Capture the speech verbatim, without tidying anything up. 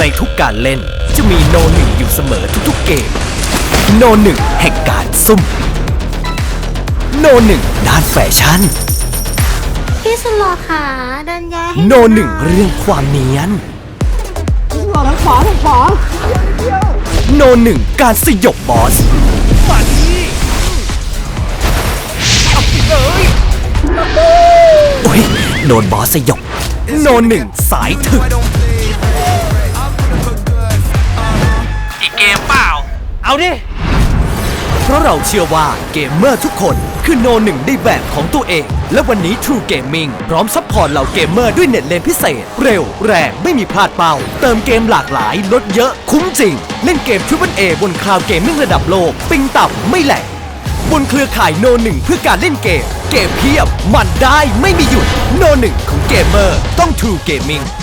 ในทุกการเล่นจะมีโนหนึ่งอยู่เสมอทุกๆเกมโนหนึ่งแห่งการซุ่มโนหนึ่งด้านแฟชั่นพี่สุดหล่อค่ะดันยาให้โนหนึ่งเรื่องความเนียนหล่อทั้งขวาทั้งขวาโนหนึ่งการสยบบอสมาดีเอาไปเลยโอ้ยโดนบอสสยบโนหนึ่งสายถึกอีกเกมเปล่า เอาดิ เพราะเราเชื่อว่าเกมเมอร์ทุกคนคือโนหนึ่งในแบบของตัวเอง และวันนี้ True Gaming พร้อมซัพพอร์ตเหล่าเกมเมอร์ด้วยเน็ตเลนพิเศษ เร็วแรงไม่มีพลาดเป้า เติมเกมหลากหลายลดเยอะคุ้มจริง เล่นเกม Triple A บนคลาวด์เกมมิ่งระดับโลก ปิงต่ำไม่แหลกบนเครือข่ายโนหนึ่งเพื่อการเล่นเกม เกมเพียบ มันได้ไม่มีหยุดโนหนึ่งของเกมเมอร์ต้อง True Gaming